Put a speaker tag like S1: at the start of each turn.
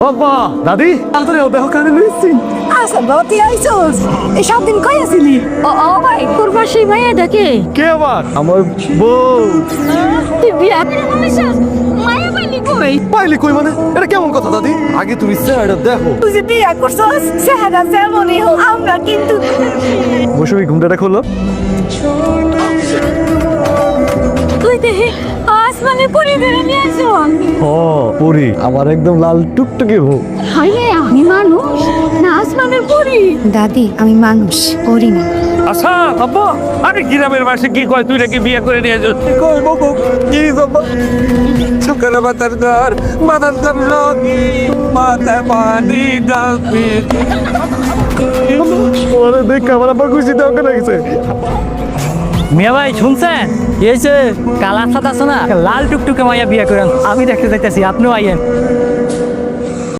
S1: বাবা দাদি আন্তরে দেহ কানে লইছি
S2: আচ্ছা বাবা তুই আইসোস এই 7 দিন কই আছিলি?
S3: ও ভাই তোর পাশে মাইয়া ডাকে
S1: কে আবার আমার বউ
S3: তুই বিয়া করে বলেছিস মায়া পাইলি কই?
S1: পাইলি কই মানে এটা কেমন কথা দাদি আগে তুমি চেহারা দেখো
S2: তুই যে বিয়া করছস চেহারা যেমনই হোক আমরা কিন্তু
S1: মৌসুমি ঘুমটাটা খোলো
S3: তুই দেখি আসমানে পরি ধরে নিয়ে আসো
S1: ও পুরি আমার একদম লাল টুকটুকে বউ
S3: হাই রে আমি মানুষ না আসমানের পরি?
S2: দাদি আমি মানুষ করি না।
S4: আচ্ছা আব্বা আরে গ্রামের বাসে কি কয় তুই নাকি বিয়ে করে নিয়ে যাস
S1: কই বাবা কি বাবা
S4: সকালে মাথার ঘর মাথার ঘর লগি মাথায় পানি ডালবি
S1: ওরে দেখ আমার আবার খুশি দাও কেন গেছে
S5: মিয়া ভাই শুনছেন এই যে কালার সাদা আছে না লাল টুকটুকে মাইয়া বিয়ে করেন আমি দেখতে চাইতেছি আপনিও আইয়েন